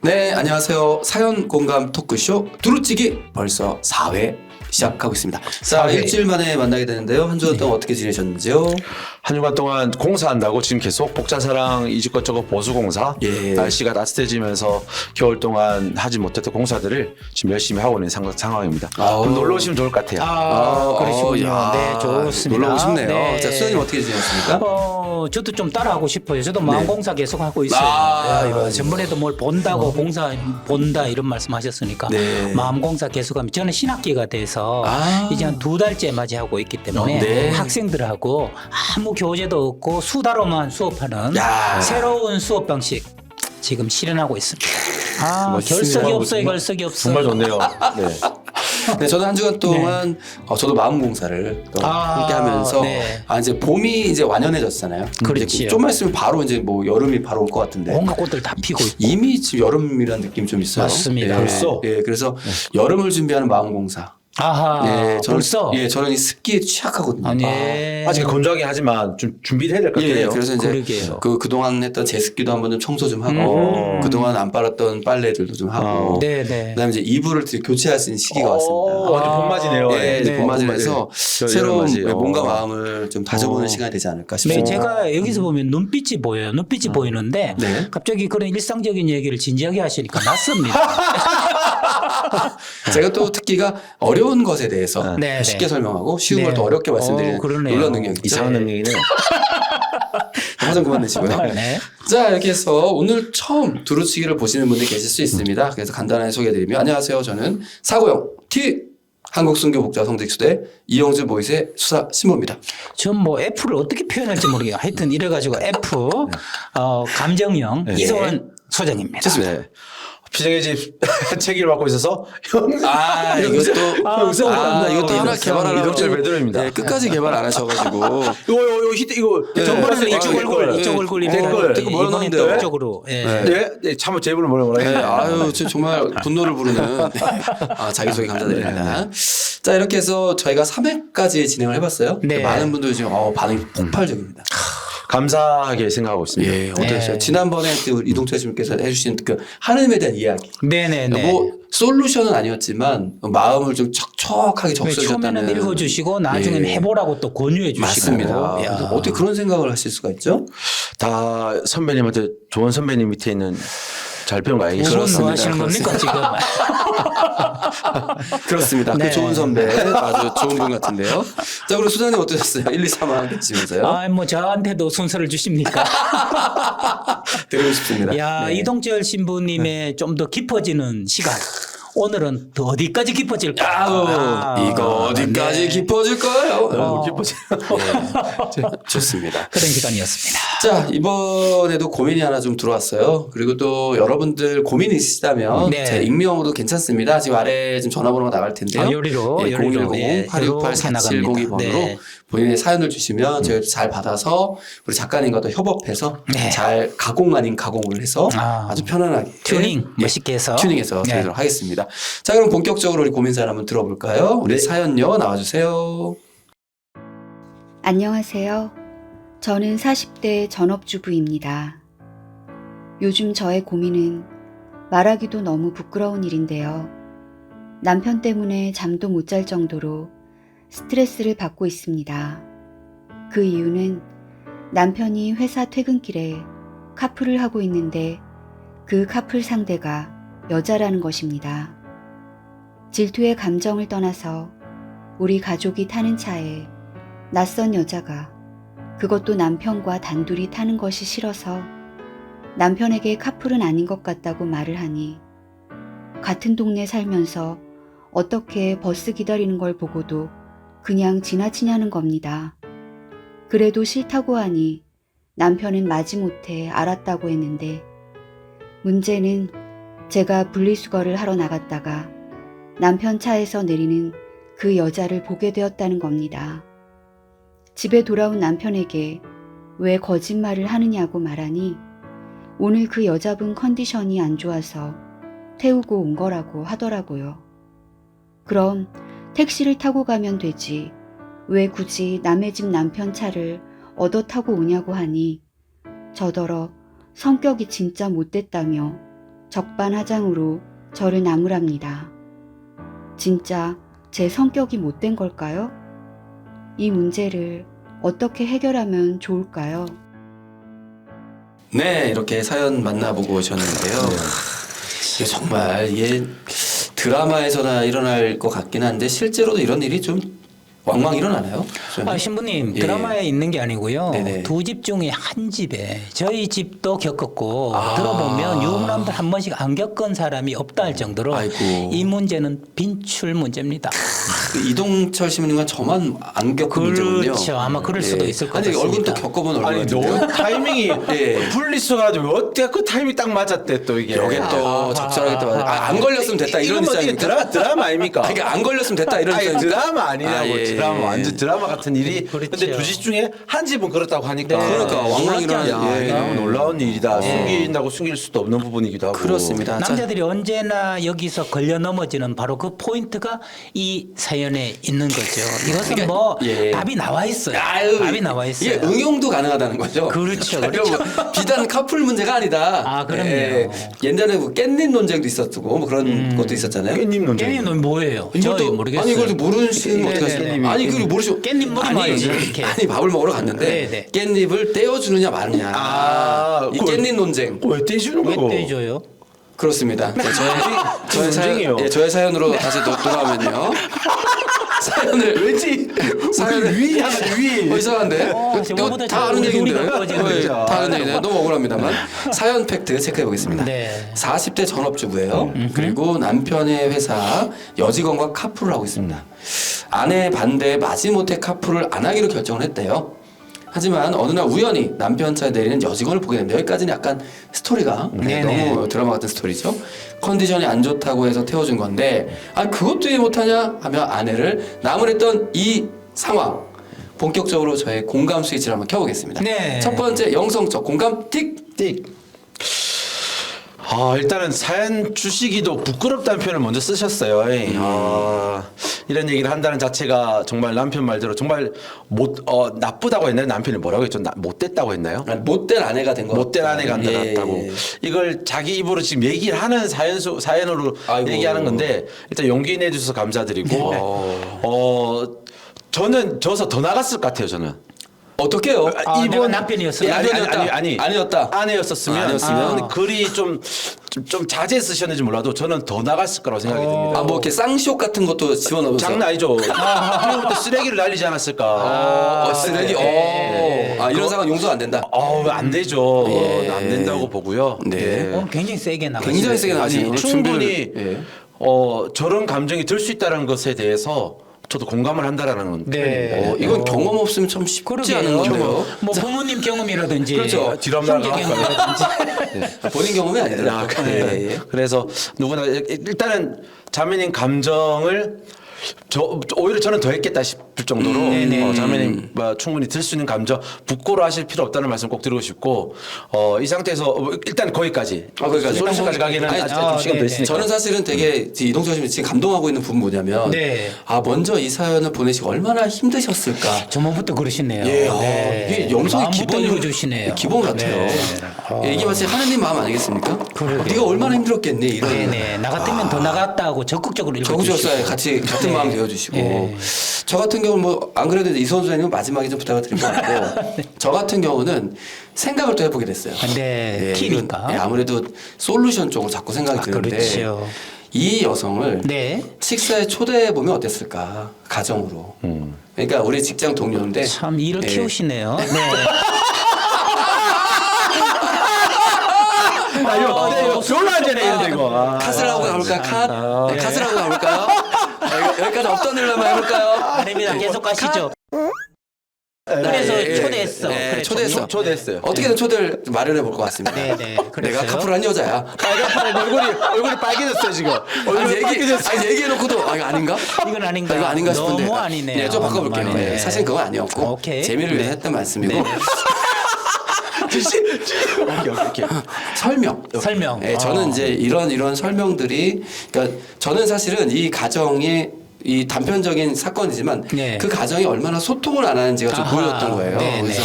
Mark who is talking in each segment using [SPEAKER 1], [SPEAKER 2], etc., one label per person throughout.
[SPEAKER 1] 네, 안녕하세요. 사연 공감 토크쇼 두루찌기 벌써 4회 시작하고 있습니다. 자,
[SPEAKER 2] 4회.
[SPEAKER 1] 일주일 만에 만나게 되는데요. 한 주간 동안 어떻게 지내셨는지요?
[SPEAKER 2] 한 주간 동안 공사한다고 지금 계속 복자사랑 이것저것 보수공사
[SPEAKER 1] 예.
[SPEAKER 2] 날씨가 따뜻해지면서 겨울 동안 하지 못했던 공사들을 지금 열심히 하고 있는 상황입니다.
[SPEAKER 1] 아우.
[SPEAKER 2] 그럼 놀러 오시면 좋을 것 같아요.
[SPEAKER 3] 그러시군요.
[SPEAKER 1] 야,
[SPEAKER 3] 네, 좋습니다.
[SPEAKER 1] 놀러 오고 싶네요.
[SPEAKER 3] 네.
[SPEAKER 1] 자, 수장님 어떻게 지내셨습니까?
[SPEAKER 3] 저도 좀 따라하고 싶어요. 저도 마음공사 계속 하고 있어요.
[SPEAKER 1] 아,
[SPEAKER 3] 전번에도 뭘 본다고 공사 본다 이런 말씀하셨으니까
[SPEAKER 1] 네.
[SPEAKER 3] 마음공사 계속하면 저는 신학기가 돼서 이제 한 2달째 맞이하고 있기 때문에
[SPEAKER 1] 네.
[SPEAKER 3] 학생들하고 아무 교재도 없고 수다로만 수업하는
[SPEAKER 1] 야.
[SPEAKER 3] 새로운 수업 방식 지금 실현하고 있습니다.
[SPEAKER 1] 멋있습니다.
[SPEAKER 3] 결석이 없어요.
[SPEAKER 2] 정말-
[SPEAKER 3] 결석이 없어.
[SPEAKER 2] 정말 좋네요. 네.
[SPEAKER 1] 네, 저는 한 주간 동안 저도 마음공사를 또 함께 하면서
[SPEAKER 3] 네.
[SPEAKER 1] 이제 봄이 이제 완연해졌잖아요.
[SPEAKER 3] 그렇지요.
[SPEAKER 1] 이제 좀만 있으면 바로 이제 뭐 여름이 바로 올 것 같은데.
[SPEAKER 3] 온갖 꽃들 다 피고 있고.
[SPEAKER 1] 이미 지금 여름이라는 느낌이 좀 있어요.
[SPEAKER 3] 맞습니다.
[SPEAKER 1] 예,
[SPEAKER 2] 벌써?
[SPEAKER 1] 예, 그래서 여름을 준비하는 마음공사.
[SPEAKER 3] 아하.
[SPEAKER 1] 예, 저는,
[SPEAKER 3] 벌써.
[SPEAKER 1] 예, 저는 이 습기에 취약하거든요.
[SPEAKER 3] 네.
[SPEAKER 2] 아직 건조하긴 하지만 좀 준비를 해야 될 것
[SPEAKER 1] 예,
[SPEAKER 2] 같아요.
[SPEAKER 1] 그래서 이제
[SPEAKER 3] 그러게요.
[SPEAKER 1] 그동안 했던 제습기도 한번 좀 청소 좀 하고 그동안 안 빨았던 빨래들도 좀 하고
[SPEAKER 3] 네네.
[SPEAKER 1] 그다음에 이제 이불을 교체할 수 있는 시기가 왔습니다.
[SPEAKER 2] 완전 봄맞이네요.
[SPEAKER 1] 예, 이제
[SPEAKER 3] 네.
[SPEAKER 1] 봄맞이라서 새로운
[SPEAKER 2] 여름맞이.
[SPEAKER 1] 몸과 마음을 좀 다져보는 시간이 되지 않을까
[SPEAKER 3] 네,
[SPEAKER 1] 싶습니다.
[SPEAKER 3] 제가 여기서 보면 눈빛이 보여요. 눈빛이 보이는데
[SPEAKER 1] 네.
[SPEAKER 3] 갑자기 그런 일상적인 얘기를 진지하게 하시니까 낯섭니다.
[SPEAKER 1] 제가 또 특기가 어려운 것에 대해서
[SPEAKER 3] 네,
[SPEAKER 1] 쉽게
[SPEAKER 3] 네.
[SPEAKER 1] 설명하고 쉬운 걸
[SPEAKER 3] 네.
[SPEAKER 1] 또 어렵게 말씀드리는
[SPEAKER 3] 그러네요.
[SPEAKER 1] 놀라운 능력이 있죠.
[SPEAKER 2] 이상한 능력이네요.
[SPEAKER 1] 화장 그만 내시고요.
[SPEAKER 3] 네.
[SPEAKER 1] 자, 이렇게 해서 오늘 처음 두루치기를 보시는 분들이 계실 수 있습니다. 그래서 간단하게 소개해드리면 안녕하세요. 저는 사고영 T 한국순교복자성직수대 이영주 보이스의 수사 신모입니다.
[SPEAKER 3] 전 뭐 F를 어떻게 표현할지 모르겠어요. 하여튼 이래가지고 F 감정형
[SPEAKER 2] 네.
[SPEAKER 3] 이소원 소장입니다.
[SPEAKER 2] 네. 피정의 집 책임을 맡고 있어서
[SPEAKER 1] 이것도 이것도 하나 개발하려고
[SPEAKER 2] 이덕철 베드로입니다.
[SPEAKER 1] 네, 끝까지 개발 안 하셔가지고
[SPEAKER 2] 이거
[SPEAKER 3] 전번에는
[SPEAKER 1] 네.
[SPEAKER 3] 이쪽 얼굴, 이쪽 얼굴이
[SPEAKER 2] 댓글
[SPEAKER 1] 뭐라
[SPEAKER 3] 이번엔
[SPEAKER 1] 넣었는데요?
[SPEAKER 3] 또 이쪽으로. 예.
[SPEAKER 2] 네, 네, 참제 입으로 뭐라
[SPEAKER 1] 네,
[SPEAKER 2] 해요.
[SPEAKER 1] 아유, 정말 분노를 부르는 자기소개 감사드립니다. 자, 이렇게 해서 저희가 3회까지 진행을 해봤어요.
[SPEAKER 3] 네.
[SPEAKER 1] 많은 분들이 지금 반응이 폭발적입니다.
[SPEAKER 2] 감사하게 생각하고 있습니다.
[SPEAKER 1] 예, 어떠셨어요?
[SPEAKER 3] 네.
[SPEAKER 1] 지난번에 그 이동철 씨께서 해주신 그 하나님에 대한 이야기.
[SPEAKER 3] 네네네.
[SPEAKER 1] 뭐 솔루션은 아니었지만 마음을 좀 척척하게 적셔주셨다는.
[SPEAKER 3] 처음에는 읽어주시고 나중에는
[SPEAKER 1] 예.
[SPEAKER 3] 해보라고 또 권유해 주시고.
[SPEAKER 1] 맞습니다.
[SPEAKER 3] 야.
[SPEAKER 1] 그래서 어떻게 그런 생각을 하실 수가 있죠?
[SPEAKER 2] 다 선배님한테 좋은 선배님 밑에 있는 잘 배운 거 아니겠어요?
[SPEAKER 3] 무슨 뭐
[SPEAKER 1] 그렇습니다.
[SPEAKER 3] 하시는 겁니까 지금?
[SPEAKER 1] 그렇습니다.
[SPEAKER 3] 네.
[SPEAKER 1] 그 좋은 선배, 아주 좋은 분 같은데요. 자, 그럼 수장님 어떠셨어요? 1, 2, 3화 계시면서요?
[SPEAKER 3] 뭐 저한테도 순서를 주십니까?
[SPEAKER 1] 드리고 싶습니다.
[SPEAKER 3] 야,
[SPEAKER 1] 네.
[SPEAKER 3] 이동철 신부님의 좀 더 깊어지는 시간. 오늘은 더 어디까지 깊어질까?
[SPEAKER 1] 이거 어디까지
[SPEAKER 3] 네.
[SPEAKER 1] 깊어질 거예요?
[SPEAKER 2] 너무 기뻐지.
[SPEAKER 1] 좋습니다.
[SPEAKER 3] 그런 시간이었습니다.
[SPEAKER 1] 자, 이번에도 고민이 하나 좀 들어왔어요. 그리고 또 여러분들 고민이 있으시다면
[SPEAKER 3] 네.
[SPEAKER 1] 제 익명으로도 괜찮습니다. 지금 아래 지금 전화번호가 나갈 텐데요.
[SPEAKER 3] 요리로,
[SPEAKER 1] 예,
[SPEAKER 3] 요리로.
[SPEAKER 1] 010-868-4702번으로
[SPEAKER 3] 네.
[SPEAKER 1] 본인의 사연을 주시면 저희가 잘 받아서 우리 작가님과 또 협업해서
[SPEAKER 3] 네.
[SPEAKER 1] 잘 가공 아닌 가공을 해서 아주 편안하게
[SPEAKER 3] 튜닝
[SPEAKER 1] 예,
[SPEAKER 3] 멋있게 해서.
[SPEAKER 1] 튜닝해서
[SPEAKER 3] 네.
[SPEAKER 1] 드리도록 하겠습니다. 자, 그럼 본격적으로 우리 고민 사연 한번 들어볼까요? 우리 사연요 나와주세요.
[SPEAKER 4] 안녕하세요. 저는 40대 전업주부입니다. 요즘 저의 고민은 말하기도 너무 부끄러운 일인데요. 남편 때문에 잠도 못 잘 정도로 스트레스를 받고 있습니다. 그 이유는 남편이 회사 퇴근길에 카풀을 하고 있는데 그 카풀 상대가 여자라는 것입니다. 질투의 감정을 떠나서 우리 가족이 타는 차에 낯선 여자가 그것도 남편과 단둘이 타는 것이 싫어서 남편에게 카풀은 아닌 것 같다고 말을 하니 같은 동네 살면서 어떻게 버스 기다리는 걸 보고도 그냥 지나치냐는 겁니다. 그래도 싫다고 하니 남편은 마지못해 알았다고 했는데 문제는 제가 분리수거를 하러 나갔다가 남편 차에서 내리는 그 여자를 보게 되었다는 겁니다. 집에 돌아온 남편에게 왜 거짓말을 하느냐고 말하니 오늘 그 여자분 컨디션이 안 좋아서 태우고 온 거라고 하더라고요. 그럼 택시를 타고 가면 되지 왜 굳이 남의 집 남편 차를 얻어 타고 오냐고 하니 저더러 성격이 진짜 못됐다며 적반하장으로 저를 나무랍니다. 진짜 제 성격이 못된 걸까요? 이 문제를 어떻게 해결하면 좋을까요?
[SPEAKER 1] 네, 이렇게 사연 만나보고 오셨는데요. 이게 정말 이게 드라마에서나 일어날 것 같긴 한데 실제로도 이런 일이 좀 왕왕 일어나나요?
[SPEAKER 3] 신부님
[SPEAKER 1] 예.
[SPEAKER 3] 드라마에 있는 게 아니고요.
[SPEAKER 1] 네네.
[SPEAKER 3] 두 집 중에 한 집에 저희 집도 겪었고
[SPEAKER 1] 아.
[SPEAKER 3] 들어보면 유부남들 한 번씩 안 겪은 사람이 없다 할 정도로
[SPEAKER 1] 아이고.
[SPEAKER 3] 이 문제는 빈출 문제입니다.
[SPEAKER 1] 그 이동철 시민님과 저만 안 겪은 문제군요.
[SPEAKER 3] 그렇죠. 아마 그럴 수도 있을 것
[SPEAKER 1] 아니
[SPEAKER 3] 같습니다.
[SPEAKER 1] 얼굴 또 겪어본 얼굴
[SPEAKER 2] 아니
[SPEAKER 1] 같은데요.
[SPEAKER 2] 너무 타이밍이
[SPEAKER 1] 예.
[SPEAKER 2] 분리해가지고 어떻게 그 타이밍 딱 맞았대 또 이게.
[SPEAKER 1] 여기 또 적절하게 또 안 걸렸으면 됐다 이런
[SPEAKER 2] 이건 뭐 이게
[SPEAKER 1] 입장입니까?
[SPEAKER 2] 드라마 아닙니까?
[SPEAKER 1] 아니, 안 걸렸으면 됐다 이런
[SPEAKER 2] 아니
[SPEAKER 1] 입장입니까?
[SPEAKER 2] 드라마 아니라고.
[SPEAKER 1] 아, 예.
[SPEAKER 2] 드라마 완전 드라마 같은 일이.
[SPEAKER 3] 그렇죠.
[SPEAKER 2] 근데 두 집 중에 한 집은 그렇다고 하니까.
[SPEAKER 3] 네.
[SPEAKER 1] 그러니까 왕왕 일어나는
[SPEAKER 2] 야,
[SPEAKER 1] 예.
[SPEAKER 2] 너무 놀라운 일이다. 숨긴다고 숨길 수도 없는 부분이기도 하고.
[SPEAKER 1] 그렇습니다. 자,
[SPEAKER 3] 남자들이 언제나 여기서 걸려 넘어지는 바로 그 포인트가 이 사연에 있는 거죠. 이것은 뭐
[SPEAKER 1] 예.
[SPEAKER 3] 답이 나와 있어요.
[SPEAKER 1] 아유,
[SPEAKER 3] 답이 나와 있어요.
[SPEAKER 1] 이게 응용도 가능하다는 거죠.
[SPEAKER 3] 그렇죠,
[SPEAKER 1] 자,
[SPEAKER 3] 그렇죠.
[SPEAKER 1] 여러분, 비단 커플 문제가 아니다.
[SPEAKER 3] 아, 그럼요.
[SPEAKER 1] 옛날에 뭐 깻잎 논쟁도 있었고 뭐 그런 것도 있었잖아요.
[SPEAKER 2] 깻잎 논쟁.
[SPEAKER 3] 깻잎은 뭐예요? 저희 모르겠어요.
[SPEAKER 1] 아니 이걸 모르시는
[SPEAKER 3] 네,
[SPEAKER 1] 어떻게
[SPEAKER 3] 네,
[SPEAKER 1] 하시나요?
[SPEAKER 3] 네.
[SPEAKER 1] 아니 그걸 모르시고
[SPEAKER 3] 깻잎 먹으면
[SPEAKER 1] 아니,
[SPEAKER 3] 알지, 이렇게.
[SPEAKER 1] 아니 밥을 먹으러 갔는데
[SPEAKER 3] 네, 네.
[SPEAKER 1] 깻잎을 떼어주느냐 마느냐.
[SPEAKER 2] 아,
[SPEAKER 1] 이
[SPEAKER 2] 그걸-
[SPEAKER 1] 깻잎 논쟁.
[SPEAKER 2] 왜 떼주는
[SPEAKER 3] 왜
[SPEAKER 2] 거고?
[SPEAKER 3] 떼줘요?
[SPEAKER 1] 그렇습니다. 자, 저의
[SPEAKER 2] 논쟁이에요.
[SPEAKER 1] 저의 사연으로 다시 돌아오면요. 사연을
[SPEAKER 2] 왠지
[SPEAKER 1] 사연을
[SPEAKER 2] 위 하는 위.
[SPEAKER 1] 이상한데?
[SPEAKER 3] 저거보다
[SPEAKER 1] 이거 다 아는
[SPEAKER 3] 우리
[SPEAKER 1] 얘기인데.
[SPEAKER 3] 우리가 꺼지는 거죠.
[SPEAKER 1] 다 아는 얘기네. 너무 억울합니다만. 사연 팩트 체크해 보겠습니다.
[SPEAKER 3] 네.
[SPEAKER 1] 40대 전업주부예요. 그리고 남편의 회사 여직원과 카풀을 하고 있습니다. 아내 반대에 마지못해 카풀을 안 하기로 결정을 했대요. 하지만 어느 날 우연히 남편 차에 내리는 여직원을 보게 됩니다. 여기까지는 약간 스토리가
[SPEAKER 3] 네네.
[SPEAKER 1] 너무 드라마 같은 스토리죠. 컨디션이 안 좋다고 해서 태워준 건데 그것도 이해 못하냐 하며 아내를 나무랬던 이 상황. 본격적으로 저의 공감 스위치를 한번 켜보겠습니다.
[SPEAKER 3] 네.
[SPEAKER 1] 첫 번째 영성적 공감 틱.
[SPEAKER 2] 일단은 사연 주시기도 부끄럽다는 표현을 먼저 쓰셨어요. 이런 얘기를 한다는 자체가 정말 남편 말대로 정말 나쁘다고 했나요? 남편이 뭐라고 했죠? 못됐다고 했나요?
[SPEAKER 1] 못된 아내가 된 거.
[SPEAKER 2] 못된 아내가 안
[SPEAKER 1] 예,
[SPEAKER 2] 나갔다고.
[SPEAKER 1] 예.
[SPEAKER 2] 이걸 자기 입으로 지금 얘기를 하는 사연으로
[SPEAKER 1] 아이고.
[SPEAKER 2] 얘기하는 건데 일단 용기 내주셔서 감사드리고 저는 져서 더 나갔을 것 같아요. 저는.
[SPEAKER 1] 어떻게요?
[SPEAKER 3] 내가 남편이었어요.
[SPEAKER 1] 아니었다.
[SPEAKER 2] 아내였으면
[SPEAKER 1] 아니었으면?
[SPEAKER 2] 글이 좀 자제 쓰셨는지 몰라도 저는 더 나갔을 거라고 생각이 듭니다.
[SPEAKER 1] 뭐 이렇게 쌍시옷 같은 것도 집어넣어서.
[SPEAKER 2] 장난 아니죠. 그리고 또 쓰레기를 날리지 않았을까.
[SPEAKER 1] 쓰레기. 이런 상황 용서 안 된다.
[SPEAKER 2] 안 되죠.
[SPEAKER 1] 예.
[SPEAKER 2] 안 된다고 보고요.
[SPEAKER 1] 네.
[SPEAKER 2] 예.
[SPEAKER 3] 굉장히 세게 나가요.
[SPEAKER 1] 굉장히 세게 나가시네요.
[SPEAKER 2] 충분히
[SPEAKER 1] 예.
[SPEAKER 2] 저런 감정이 들 수 있다는 것에 대해서 저도 공감을 한다라는 건
[SPEAKER 3] 네.
[SPEAKER 1] 이건 경험 없으면 참 쉽지
[SPEAKER 3] 그러게요.
[SPEAKER 1] 않은 건데요.
[SPEAKER 3] 뭐 부모님 경험이라든지
[SPEAKER 1] 그렇죠.
[SPEAKER 2] 뒤로 한번
[SPEAKER 3] 형제 경험이라든지
[SPEAKER 1] 본인 경험이 아니더라고요. 예.
[SPEAKER 2] 그래서 누구나 일단은 자매님 감정을 오히려 저는 더 했겠다 싶을 정도로 자매님 충분히 들 수 있는 감정 부끄러워하실 필요 없다는 말씀 꼭 드리고 싶고 이 상태에서 일단 거기까지
[SPEAKER 1] 거기까지.
[SPEAKER 2] 솔루션까지 가기는
[SPEAKER 1] 아니,
[SPEAKER 2] 아직 좀 시간 더
[SPEAKER 3] 네네.
[SPEAKER 2] 있으니까
[SPEAKER 1] 저는 사실은 되게 이동철 씨님 지금 감동하고 있는 부분 뭐냐면
[SPEAKER 3] 네.
[SPEAKER 1] 먼저 이 사연을 보내시고 얼마나 힘드셨을까.
[SPEAKER 3] 저번부터 그러시네요.
[SPEAKER 1] 예, 이게 영성의
[SPEAKER 3] 마음부터
[SPEAKER 1] 기본이
[SPEAKER 3] 읽어주시네요.
[SPEAKER 1] 기본 같아요.
[SPEAKER 3] 네.
[SPEAKER 1] 이게 마치 하나님 마음 아니겠습니까?
[SPEAKER 3] 그러게요.
[SPEAKER 1] 네가 얼마나 힘들었겠니 이런.
[SPEAKER 3] 네네. 나 같으면 더 나갔다고 적극적으로 읽어주시고.
[SPEAKER 1] 적극적으로 같은 마음 되어주시고
[SPEAKER 3] 네.
[SPEAKER 1] 저 같은 경우는 뭐 안 그래도 이선수 선생님 마지막에 좀 부탁을 드릴 것 같고 저 같은 경우는 생각을 또 해보게 됐어요.
[SPEAKER 3] 네,
[SPEAKER 1] 이건,
[SPEAKER 3] 티니까.
[SPEAKER 1] 아무래도 솔루션 쪽으로 자꾸 생각이 드는데
[SPEAKER 3] 그렇죠.
[SPEAKER 1] 이 여성을
[SPEAKER 3] 네.
[SPEAKER 1] 식사에 초대해 보면 어땠을까 가정으로. 그러니까 우리 직장 동료인데
[SPEAKER 3] 참 일을
[SPEAKER 1] 예.
[SPEAKER 3] 키우시네요. 네.
[SPEAKER 2] 이거 별로 안 되네 이런데 이거
[SPEAKER 1] 컷을 하고 가볼까요? 컷? 네, 컷을 하고 가볼까요? 여기까지 없던 일로 한번 해볼까요?
[SPEAKER 3] 아닙니다. 계속 가시죠. 그래서 초대했어. 그래,
[SPEAKER 2] 초대했어요.
[SPEAKER 1] 어떻게든 초대를 마련해 볼 것 같습니다.
[SPEAKER 3] 네네.
[SPEAKER 1] 내가 카풀한 여자야.
[SPEAKER 2] 빨갛게 얼굴이 빨개졌어요 지금.
[SPEAKER 1] 얘기해놓고도 이거 아닌가?
[SPEAKER 3] 이건 아닌가?
[SPEAKER 1] 이거 아닌가 싶은데.
[SPEAKER 3] 너무 아니네요.
[SPEAKER 1] 네, 좀 바꿔볼게요.
[SPEAKER 3] 너무 아니네.
[SPEAKER 1] 네, 사실 그건 아니었고
[SPEAKER 3] 오케이.
[SPEAKER 1] 재미를 위해 했던 말씀이고
[SPEAKER 2] 이렇게.
[SPEAKER 1] 설명. 네, 저는 이제 이런 설명들이 그러니까 저는 사실은 이 가정의 이 단편적인 사건이지만
[SPEAKER 3] 네.
[SPEAKER 1] 그 가정이 얼마나 소통을 안 하는지가 좀
[SPEAKER 3] 아하.
[SPEAKER 1] 보였던 거예요.
[SPEAKER 3] 네,
[SPEAKER 1] 그래서
[SPEAKER 3] 네.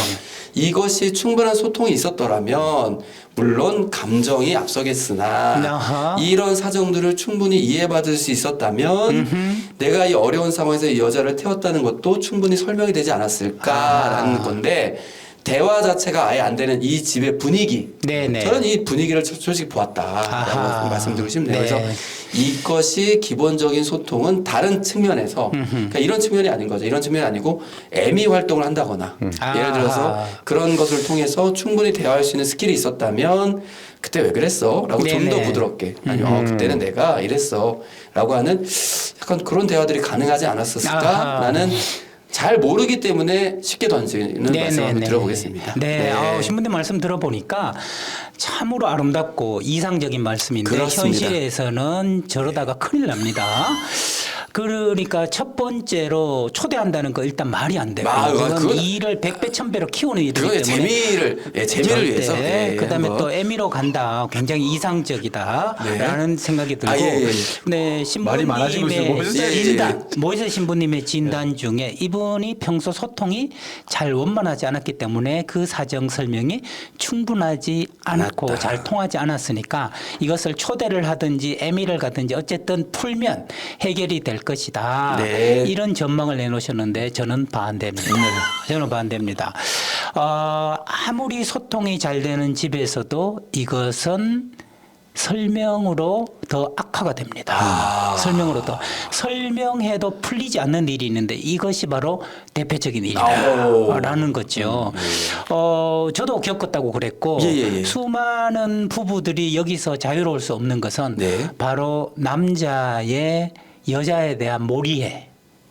[SPEAKER 1] 이것이 충분한 소통이 있었더라면 물론 감정이 앞서겠으나
[SPEAKER 3] 아하.
[SPEAKER 1] 이런 사정들을 충분히 이해받을 수 있었다면 내가 이 어려운 상황에서 이 여자를 태웠다는 것도 충분히 설명이 되지 않았을까라는 건데 대화 자체가 아예 안 되는 이 집의 분위기.
[SPEAKER 3] 네네.
[SPEAKER 1] 저는 이 분위기를 솔직히 보았다라고
[SPEAKER 3] 아하.
[SPEAKER 1] 말씀드리고 싶네요.
[SPEAKER 3] 네.
[SPEAKER 1] 그래서 이것이 기본적인 소통은 다른 측면에서 그러니까 이런 측면이 아닌 거죠. 이런 측면이 아니고 애미 활동을 한다거나 예를 들어서
[SPEAKER 3] 아하.
[SPEAKER 1] 그런 것을 통해서 충분히 대화할 수 있는 스킬이 있었다면 그때 왜 그랬어? 라고 좀 더
[SPEAKER 3] 네네.
[SPEAKER 1] 부드럽게 아니면 그때는 내가 이랬어 라고 하는 약간 그런 대화들이 가능하지 않았었을까?
[SPEAKER 3] 아하.
[SPEAKER 1] 나는 잘 모르기 때문에 쉽게 던지는 말씀 한번 들어보겠습니다.
[SPEAKER 3] 네, 신부님 말씀 들어보니까 참으로 아름답고 이상적인 말씀인데
[SPEAKER 1] 그렇습니다.
[SPEAKER 3] 현실에서는 저러다가 큰일 납니다. 그러니까 첫 번째로 초대한다는 거 일단 말이 안 되고 그건
[SPEAKER 1] 그건-
[SPEAKER 3] 일을 100배 1000배로 키우는 일이기
[SPEAKER 1] 그거의
[SPEAKER 3] 때문에
[SPEAKER 1] 재미를 위해서. 예,
[SPEAKER 3] 그다음에
[SPEAKER 1] 한번.
[SPEAKER 3] 또 에미로 간다. 굉장히 이상적이다라는 생각이 들고
[SPEAKER 1] 예.
[SPEAKER 3] 네,
[SPEAKER 2] 말이 많아지고 있어요.
[SPEAKER 3] 신부님의
[SPEAKER 2] 모비스
[SPEAKER 1] 예,
[SPEAKER 3] 진단 모이세 신부님의 진단 중에 이분이 평소 소통이 잘 원만하지 않았기 때문에 그 사정 설명이 충분하지 않고
[SPEAKER 1] 않았다.
[SPEAKER 3] 잘 통하지 않았으니까 이것을 초대를 하든지 에미를 가든지 어쨌든 풀면 해결이 될 것이다.
[SPEAKER 1] 네.
[SPEAKER 3] 이런 전망을 내놓으셨는데 저는 반대입니다. 저는 반대입니다. 아무리 소통이 잘 되는 집에서도 이것은 설명으로 더 악화가 됩니다. 설명으로 더 설명해도 풀리지 않는 일이 있는데 이것이 바로 대표적인 일이다라는 거죠. 저도 겪었다고 그랬고
[SPEAKER 1] 예.
[SPEAKER 3] 수많은 부부들이 여기서 자유로울 수 없는 것은
[SPEAKER 1] 네.
[SPEAKER 3] 바로 남자의 여자에 대한 몰이해.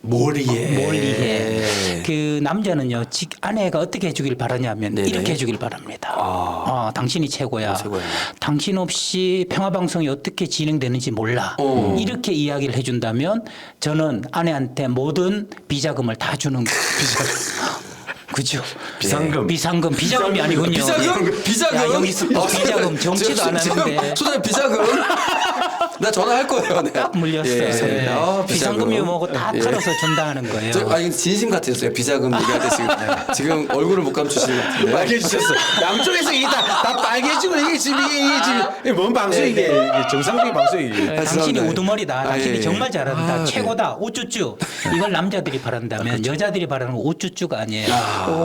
[SPEAKER 3] 몰리해. 그 남자는요, 아내가 어떻게 해주길 바라냐면
[SPEAKER 1] 네네.
[SPEAKER 3] 이렇게 해주길 바랍니다. 당신이 최고야.
[SPEAKER 1] 최고야.
[SPEAKER 3] 당신 없이 평화방송이 어떻게 진행되는지 몰라. 이렇게 이야기를 해준다면 저는 아내한테 모든 비자금을 다 주는 그죠? 비자금이 아니군요.
[SPEAKER 1] 비자금?
[SPEAKER 3] 야, 여기서 또 비자금 정치도 안 하는데.
[SPEAKER 1] 소장님 비자금? 나 전화할 거예요. 네.
[SPEAKER 3] 딱 물렸어요.
[SPEAKER 1] 예. 아,
[SPEAKER 3] 비상금이 뭐고 다
[SPEAKER 1] 예.
[SPEAKER 3] 털어서 준다는 거예요.
[SPEAKER 1] 이거 진심 같았어요. 비자금 얘기할 때 지금 얼굴을 못 감추시는 것 같은데.
[SPEAKER 2] 빨개지셨어. 양쪽에서 이게 다 빨개지고 이게 지금 이게 뭔 방송 이게 정상적인 방송이.
[SPEAKER 3] 당신이
[SPEAKER 1] 죄송합니다.
[SPEAKER 3] 우두머리다. 당신이
[SPEAKER 1] 예.
[SPEAKER 3] 정말 잘한다.
[SPEAKER 1] 네.
[SPEAKER 3] 최고다. 우쭈쭈. 이걸 남자들이 바란다면 여자들이 바라는 건 우쭈쭈가 아니에요.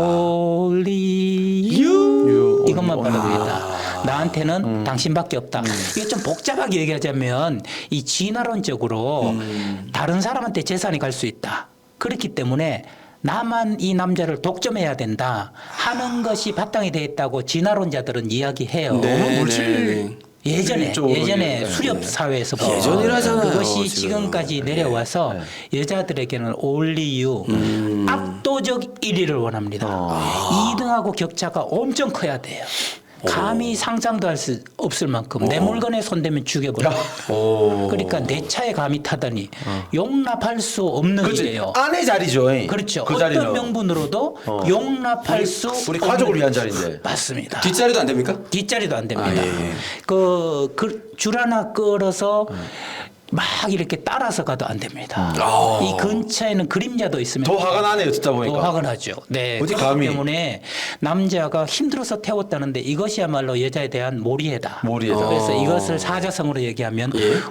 [SPEAKER 3] Only you. 이것만 바라고 있다. 나한테는 당신밖에 없다. 이게 좀 복잡하게 얘기하자면 이 진화론적으로 다른 사람한테 재산이 갈 수 있다. 그렇기 때문에 나만 이 남자를 독점해야 된다 하는 것이 바탕이 되어 있다고 진화론자들은 이야기해요. 예전에
[SPEAKER 2] 네.
[SPEAKER 3] 수렵 사회에서부터
[SPEAKER 1] 예전이라잖아요,
[SPEAKER 3] 그것이
[SPEAKER 1] 지금.
[SPEAKER 3] 지금까지 내려와서 여자들에게는 only you 압도적 1위를 원합니다. 2등하고 격차가 엄청 커야 돼요. 감히 상상도 할 수 없을 만큼 내 물건에 손대면 죽여버려. 그러니까 내 차에 감히 타다니 용납할 수 없는 일이에요.
[SPEAKER 2] 아내 자리죠.
[SPEAKER 3] 그렇죠.
[SPEAKER 2] 그
[SPEAKER 3] 어떤
[SPEAKER 2] 자리는
[SPEAKER 3] 명분으로도 용납할 수
[SPEAKER 2] 우리
[SPEAKER 3] 없는
[SPEAKER 2] 가족을 위한 자리인데.
[SPEAKER 3] 맞습니다.
[SPEAKER 1] 뒷자리도 안 됩니까?
[SPEAKER 3] 뒷자리도 안 됩니다.
[SPEAKER 1] 예.
[SPEAKER 3] 줄 하나 끌어서 막 이렇게 따라서 가도 안 됩니다. 이 근처에는 그림자도 있으면
[SPEAKER 2] 더 화가 나네요. 듣다 보니까.
[SPEAKER 3] 더 화가 나죠. 네.
[SPEAKER 2] 어디
[SPEAKER 3] 그렇기
[SPEAKER 2] 감히.
[SPEAKER 3] 때문에 남자가 힘들어서 태웠다는데 이것이야말로 여자에 대한 몰이해다.
[SPEAKER 2] 몰이해다.
[SPEAKER 3] 그래서 이것을 사자성어로 얘기하면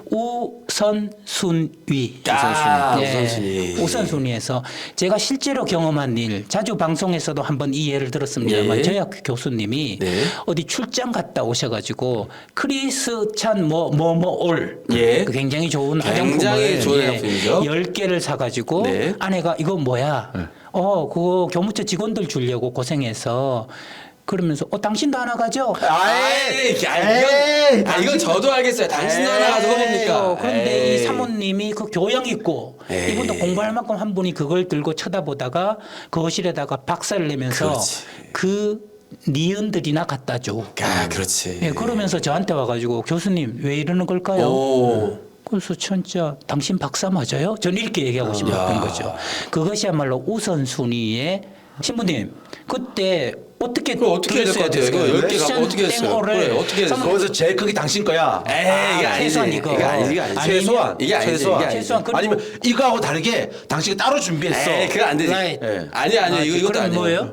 [SPEAKER 3] 우선순위.
[SPEAKER 1] 우선순위.
[SPEAKER 3] 우선순위에서 제가 실제로 경험한 일, 자주 방송에서도 한번 이 예를 들었습니다만
[SPEAKER 1] 예.
[SPEAKER 3] 저희 학교 교수님이
[SPEAKER 1] 네.
[SPEAKER 3] 어디 출장 갔다 오셔가지고 크리스찬 올
[SPEAKER 1] 예.
[SPEAKER 3] 그 굉장히 좋은
[SPEAKER 1] 굉장히
[SPEAKER 3] 화장품을
[SPEAKER 1] 좋은 화장품이죠.
[SPEAKER 3] 10개를 사가지고
[SPEAKER 1] 네.
[SPEAKER 3] 아내가 이거 뭐야? 그거 교무처 직원들 주려고 고생해서 그러면서 당신도 하나 가져?
[SPEAKER 1] 이건 저도 알겠어요. 당신도 하나 가지고 뭡니까?
[SPEAKER 3] 그런데
[SPEAKER 1] 에이.
[SPEAKER 3] 이 사모님이 그 교양 있고
[SPEAKER 1] 에이.
[SPEAKER 3] 이분도 공부할 만큼 한 분이 그걸 들고 쳐다보다가 거실에다가 박살을 내면서
[SPEAKER 1] 그렇지.
[SPEAKER 3] 그 니은들이나 갖다 줘.
[SPEAKER 1] 그렇지.
[SPEAKER 3] 예, 그러면서 저한테 와가지고 교수님 왜 이러는 걸까요?
[SPEAKER 1] 오.
[SPEAKER 3] 그래서 진짜 당신 박사 맞아요? 저는 이렇게 얘기하고 싶었던 거죠. 그것이야말로 우선순위의 신부님 그때 어떻게
[SPEAKER 1] 그럼 어떻게 해야 될 것 같아요? 이거 10개 갖고 어떻게 했어요? 그래, 어떻게 했어요?
[SPEAKER 2] 거기서 제일 큰 게 당신 거야.
[SPEAKER 1] 이게 아니지.
[SPEAKER 3] 최소한 이거.
[SPEAKER 1] 이게 아니지.
[SPEAKER 2] 최소한.
[SPEAKER 1] 이게 아니지.
[SPEAKER 2] 최소한.
[SPEAKER 1] 이게 아니지.
[SPEAKER 3] 최소한 그리고
[SPEAKER 2] 아니면 이거하고 다르게 당신이 따로 준비했어.
[SPEAKER 1] 그거 안 되지.
[SPEAKER 3] 라이트.
[SPEAKER 2] 예.
[SPEAKER 1] 아니야. 이것도
[SPEAKER 3] 그럼
[SPEAKER 1] 아니에요.
[SPEAKER 3] 뭐예요?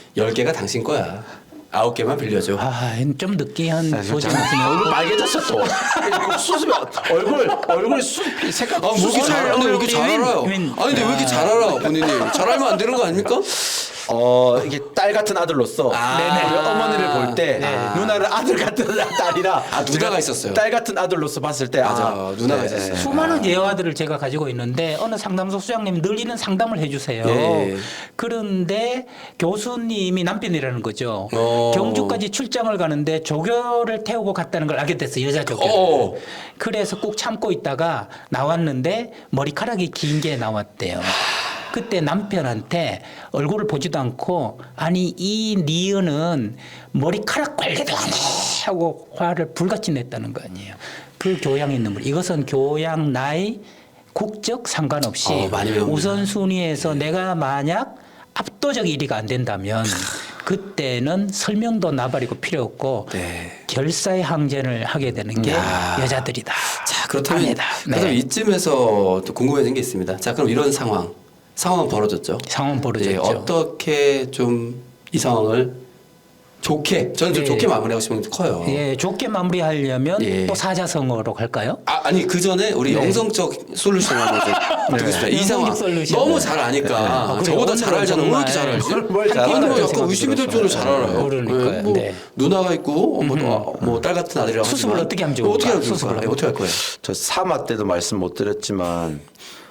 [SPEAKER 1] 10개가 당신 거야. 9개만 빌려줘.
[SPEAKER 3] 좀 느끼한
[SPEAKER 2] 아,
[SPEAKER 3] 소재
[SPEAKER 2] 잠깐,
[SPEAKER 3] 같은데.
[SPEAKER 2] 얼굴 빨개졌어 또. 수습 얼굴 색깔
[SPEAKER 1] 아, 왜 이렇게 잘 알아? 왜 이렇게 잘 알아요? 아니, 근데 왜 이렇게 잘 알아, 본인이? 잘 알면 안 되는 거 아닙니까?
[SPEAKER 2] 이게 딸 같은 아들로서 우리 어머니를 볼 때 누나를 아들 같은 딸이라
[SPEAKER 1] 누나가
[SPEAKER 2] 제가
[SPEAKER 1] 있었어요.
[SPEAKER 2] 딸 같은 아들로서 봤을 때
[SPEAKER 1] 맞아, 누나가 있었어요.
[SPEAKER 3] 수많은 예화들을 제가 가지고 있는데 어느 상담소 수장님이 늘 이런 상담을 해주세요.
[SPEAKER 1] 예.
[SPEAKER 3] 그런데 교수님이 남편이라는 거죠.
[SPEAKER 1] 어.
[SPEAKER 3] 경주까지 출장을 가는데 조교를 태우고 갔다는 걸 알게 됐어요. 여자 조교.
[SPEAKER 1] 어.
[SPEAKER 3] 그래서 꼭 참고 있다가 나왔는데 머리카락이 긴 게 나왔대요. 그때 남편한테 얼굴을 보지도 않고 아니 이 니은은 머리카락 관리도 안 해 하고 화를 불같이 냈다는 거 아니에요. 그 교양 있는 분. 이것은 교양 나이 국적 상관없이
[SPEAKER 1] 많이 배웁니다.
[SPEAKER 3] 우선순위에서 내가 만약 압도적 1위가 안 된다면 그때는 설명도 나발이고 필요 없고
[SPEAKER 1] 네.
[SPEAKER 3] 결사의 항전을 하게 되는 게 여자들이다.
[SPEAKER 1] 자, 그렇다면,
[SPEAKER 3] 아니다.
[SPEAKER 1] 그렇다면 이쯤에서 또 궁금해진 게 있습니다. 자, 그럼 이런 상황은 벌어졌죠.
[SPEAKER 3] 상황 벌어졌죠.
[SPEAKER 1] 예, 어떻게 좀 이 상황을 좋게, 저는 좀
[SPEAKER 3] 예.
[SPEAKER 1] 좋게 마무리하고 싶은 게 커요.
[SPEAKER 3] 예, 좋게 마무리하려면
[SPEAKER 1] 예.
[SPEAKER 3] 또 사자성어로 갈까요?
[SPEAKER 1] 아니 그 전에 우리 영성적 솔루션 한번 좀 듣겠습니다. 이 상황
[SPEAKER 3] 영성적 솔루션.
[SPEAKER 1] 너무 잘 아니까
[SPEAKER 3] 그래요?
[SPEAKER 1] 저보다
[SPEAKER 3] 오늘은
[SPEAKER 1] 잘 알잖아. 왜
[SPEAKER 3] 정말
[SPEAKER 1] 이렇게 잘 알지?
[SPEAKER 2] 뭘 잘
[SPEAKER 1] 아니, 뭐
[SPEAKER 2] 알아요?
[SPEAKER 1] 약간 의심이 될 정도로 잘 알아요.
[SPEAKER 3] 그러니까요.
[SPEAKER 1] 뭐
[SPEAKER 3] 네.
[SPEAKER 1] 누나가 있고 뭐 딸 같은 아들이라고
[SPEAKER 3] 수습을
[SPEAKER 1] 하지만
[SPEAKER 3] 어떻게 하면 좋을까?
[SPEAKER 1] 어떻게 하면
[SPEAKER 3] 수습을
[SPEAKER 1] 좋을까? 어떻게 할 거예요?
[SPEAKER 2] 저 사마 때도 말씀 못 드렸지만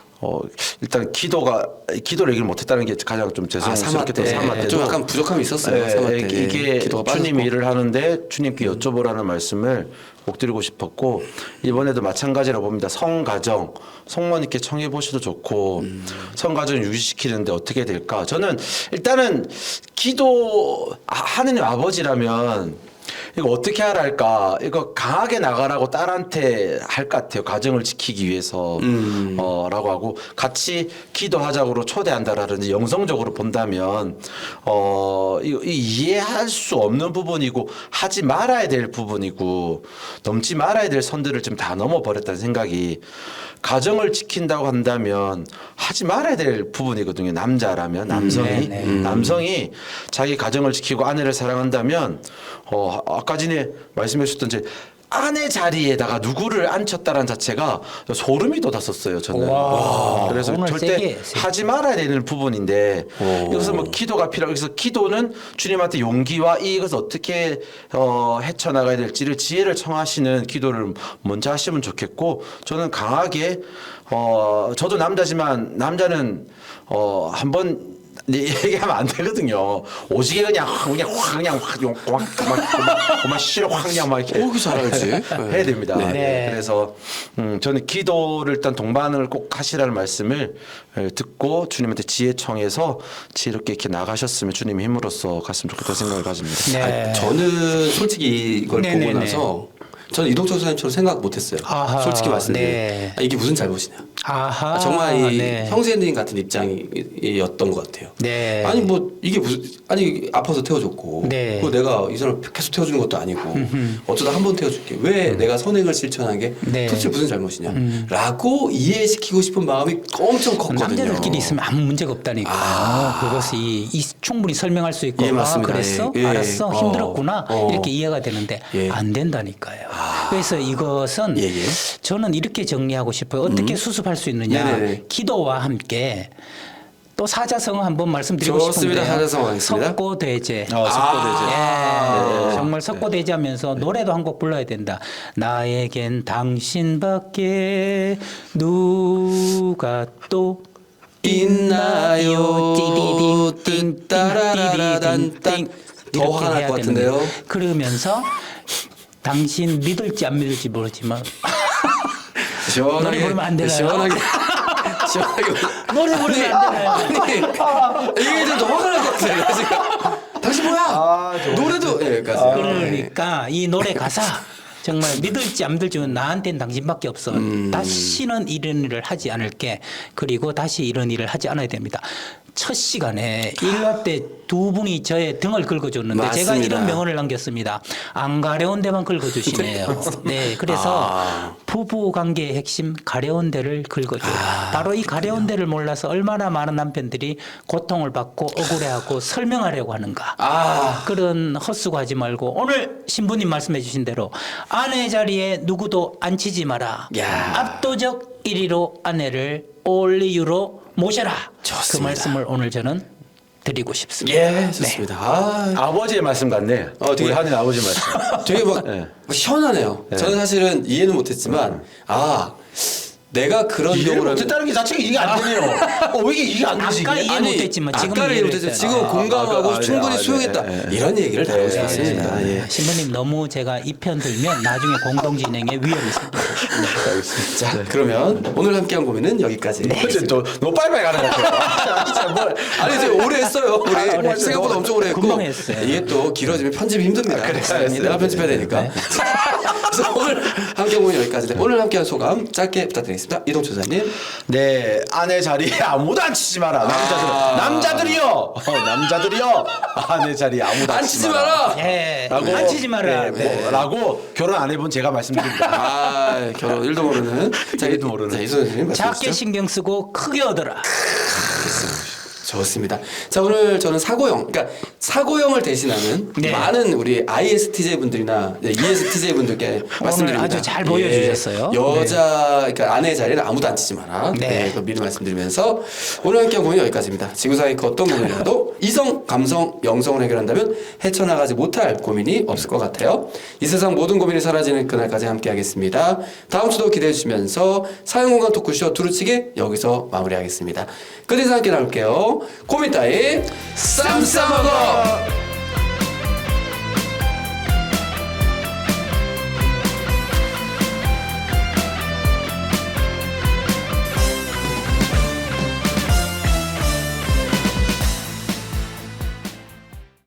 [SPEAKER 2] 일단 기도를 얘기를 못했다는 게 가장 좀 죄송스럽게 사마 때도
[SPEAKER 1] 좀 약간 부족함이 있었어요.
[SPEAKER 2] 네,
[SPEAKER 1] 사마 때
[SPEAKER 2] 이게
[SPEAKER 1] 기도가
[SPEAKER 2] 주님이
[SPEAKER 1] 빠졌고.
[SPEAKER 2] 일을 하는데 주님께 여쭤보라는 말씀을 꼭 드리고 싶었고 이번에도 마찬가지라고 봅니다. 성가정 성모님께 청해 보셔도 좋고 성가정 유지시키는데 어떻게 될까? 저는 일단은 기도 하느님 아버지라면 이거 어떻게 하랄까? 이거 강하게 나가라고 딸한테 할 것 같아요. 가정을 지키기 위해서 라고 하고 같이 기도하자고 초대한다라든지 영성적으로 본다면 이거 이해할 수 없는 부분이고 하지 말아야 될 부분이고 넘지 말아야 될 선들을 좀 다 넘어버렸다는 생각이 가정을 지킨다고 한다면 하지 말아야 될 부분이거든요. 남자라면 남성이 자기 가정을 지키고 아내를 사랑한다면 아까 전에 말씀해 주셨던 아내 자리에다가 누구를 앉혔다는 자체가 소름이 돋았었어요. 저는. 그래서
[SPEAKER 3] 오늘
[SPEAKER 2] 절대
[SPEAKER 3] 세게.
[SPEAKER 2] 하지 말아야 되는 부분인데 여기서 뭐 기도가 필요하고 그래서 기도는 주님한테 용기와 이것을 어떻게 헤쳐나가야 될지를 지혜를 청하시는 기도를 먼저 하시면 좋겠고 저는 강하게 저도 남자지만 남자는 한번 얘기하면 안 되거든요. 오지게 그냥 싫어 그냥 막 이렇게
[SPEAKER 1] 그 잘 알지.
[SPEAKER 2] 해야 됩니다.
[SPEAKER 3] 네.
[SPEAKER 2] 그래서 저는 기도를 일단 동반을 꼭 하시라는 말씀을 듣고 주님한테 지혜 청해서 지혜롭게 이렇게 나가셨으면 주님의 힘으로써 갔으면 좋겠다는 생각을 가집니다.
[SPEAKER 3] 네.
[SPEAKER 1] 저는 솔직히 이걸 보고
[SPEAKER 3] 네네네.
[SPEAKER 1] 나서 저는 이동철 선생님처럼 생각 못했어요.
[SPEAKER 3] 아하,
[SPEAKER 1] 솔직히 말씀드리면
[SPEAKER 3] 네.
[SPEAKER 1] 이게 무슨 잘못이냐.
[SPEAKER 3] 아하.
[SPEAKER 1] 정말 이
[SPEAKER 3] 네.
[SPEAKER 1] 형제님 같은 입장이었던 것 같아요.
[SPEAKER 3] 네.
[SPEAKER 1] 아니 뭐 이게 무슨 아파서 태워줬고
[SPEAKER 3] 네.
[SPEAKER 1] 그 내가 이 사람 계속 태워주는 것도 아니고 어쩌다 한 번 태워줄게 왜 내가 선행을 실천한 게
[SPEAKER 3] 네.
[SPEAKER 1] 도대체 무슨 잘못이냐라고 이해시키고 싶은 마음이 엄청 컸거든요.
[SPEAKER 3] 남자들끼리 있으면 아무 문제가 없다니까. 그것이 충분히 설명할 수 있고
[SPEAKER 1] 예, 맞습니다.
[SPEAKER 3] 그랬어?
[SPEAKER 1] 예, 예.
[SPEAKER 3] 알았어? 힘들었구나.
[SPEAKER 1] 어.
[SPEAKER 3] 이렇게 이해가 되는데
[SPEAKER 1] 예.
[SPEAKER 3] 안 된다니까요. 그래서 이것은
[SPEAKER 1] 예, 예.
[SPEAKER 3] 저는 이렇게 정리하고 싶어요. 어떻게 수습할 수 있느냐.
[SPEAKER 1] 네네네.
[SPEAKER 3] 기도와 함께 또 사자성어 한번 말씀드리고
[SPEAKER 1] 좋습니다.
[SPEAKER 3] 싶은데요.
[SPEAKER 1] 사자성어 하겠습니다.
[SPEAKER 3] 석고대제.
[SPEAKER 2] 석고대제.
[SPEAKER 3] 예, 정말 석고대제하면서 노래도 한 곡 불러야 된다. 나에겐 당신밖에 누가 또
[SPEAKER 1] 있나요?
[SPEAKER 3] 띠디딩
[SPEAKER 1] 따라라라단딴. 더
[SPEAKER 3] 이렇게
[SPEAKER 1] 화가 날
[SPEAKER 3] 해야
[SPEAKER 1] 것
[SPEAKER 3] 되는
[SPEAKER 1] 같은데요.
[SPEAKER 3] 거예요. 그러면서 당신 믿을지 안 믿을지 모르지만
[SPEAKER 1] 시원하게
[SPEAKER 3] 노래 부르면 안 되나요?
[SPEAKER 1] 시원하게
[SPEAKER 3] 노래 부르면 안 되나요?
[SPEAKER 1] 아니 이게 좀 더 화가 날 것 같아요. 지금 당신 뭐야? 노래도 여기까지.
[SPEAKER 3] 그러니까 이 노래 가사 정말 믿을지 안 믿을지는 나한테는 당신밖에 없어. 다시는 이런 일을 하지 않을게. 그리고 다시 이런 일을 하지 않아야 됩니다. 첫 시간에 일화 때 두 분이 저의 등을 긁어줬는데 제가
[SPEAKER 1] 맞습니다.
[SPEAKER 3] 이런 명언을 남겼습니다. 안 가려운 데만 긁어주시네요. 네, 그래서 부부 관계의 핵심 가려운 데를 긁어줘요. 바로 이 가려운 데를 몰라서 얼마나 많은 남편들이 고통을 받고 억울해하고 설명하려고 하는가. 그런 헛수고하지 말고 오늘 신부님 말씀해 주신 대로 아내 자리에 누구도 앉히지 마라.
[SPEAKER 1] 야.
[SPEAKER 3] 압도적 1위로 아내를 올리유로 모셔라.
[SPEAKER 1] 좋습니다.
[SPEAKER 3] 그 말씀을 오늘 저는 드리고 싶습니다.
[SPEAKER 1] 예, 좋습니다.
[SPEAKER 2] 아버지의 말씀 같네.
[SPEAKER 1] 되게-
[SPEAKER 2] 우리 한인 아버지 말씀.
[SPEAKER 1] 되게 막
[SPEAKER 2] 네.
[SPEAKER 1] 시원하네요. 저는 사실은 이해는 못했지만 내가 그런
[SPEAKER 2] 이해를
[SPEAKER 1] 경우를
[SPEAKER 2] 못했다는 게 자체가 이해가 안 되네요. 왜 이게 이해가 안 되지?
[SPEAKER 3] 아까
[SPEAKER 2] 이게?
[SPEAKER 3] 이해 못했지만 지금
[SPEAKER 1] 아까를 이해
[SPEAKER 3] 이해를
[SPEAKER 1] 못했지만
[SPEAKER 3] 했어요.
[SPEAKER 1] 지금 공감하고 충분히
[SPEAKER 2] 네.
[SPEAKER 1] 수용했다. 이런 얘기를 다루고 싶었습니다. 예.
[SPEAKER 3] 신부님 너무 제가 이 편 들면 나중에 공동 진행에 위험이 생겨요.
[SPEAKER 1] 자, 그러면 오늘 함께한 고민은 여기까지.
[SPEAKER 2] 어제 또 너무 빨리빨리 가는 것 같아요. 진짜 뭘.
[SPEAKER 1] 아니 이제 오래 했어요.
[SPEAKER 3] 오래
[SPEAKER 1] 우리
[SPEAKER 3] 했어요.
[SPEAKER 1] 생각보다 엄청 오래 했고
[SPEAKER 3] 금방 했어요.
[SPEAKER 1] 이게 또 길어지면 편집이 힘듭니다.
[SPEAKER 2] 알겠습니다.
[SPEAKER 1] 내가 편집해야 되니까. 그래서 오늘 함께한 고민 여기까지. 오늘 함께한 소감 짧게 부탁드리겠습니다. 이동철 사님.
[SPEAKER 2] 네, 아내 자리에 아무도 앉히지 마라. 남자들이요. 남자들이요. 아내 자리에 아무도
[SPEAKER 1] 앉히지 마라.
[SPEAKER 3] 예,
[SPEAKER 2] 라고,
[SPEAKER 3] 앉히지 마라.
[SPEAKER 2] 네, 라고 결혼 안 해본 제가 말씀드립니다.
[SPEAKER 1] 결혼 1도 모르는. 자,
[SPEAKER 2] 1도 모르는.
[SPEAKER 1] 자, 이소연 선생님 말씀
[SPEAKER 3] 작게
[SPEAKER 1] 주시죠.
[SPEAKER 3] 신경 쓰고 크게 얻어라.
[SPEAKER 1] 좋습니다. 자, 오늘 저는 사고형, 그러니까 사고형을 대신하는
[SPEAKER 3] 네.
[SPEAKER 1] 많은 우리 ISTJ 분들이나 ESTJ 분들께 말씀드립니다.
[SPEAKER 3] 아주 잘 보여주셨어요.
[SPEAKER 1] 여자, 그러니까 아내 자리에는 아무도 앉히지 마라.
[SPEAKER 3] 네.
[SPEAKER 1] 네. 그거 미리 말씀드리면서 오늘 함께한 고민 여기까지입니다. 지구상의 그 어떤 고민이라도 이성, 감성, 영성을 해결한다면 헤쳐나가지 못할 고민이 없을 것 같아요. 이 세상 모든 고민이 사라지는 그날까지 함께하겠습니다. 다음 주도 기대해 주시면서 사용공간 토크쇼 두루치기 여기서 마무리하겠습니다. 끝에서 함께 나올게요. 고민 따위 쌈 싸먹어.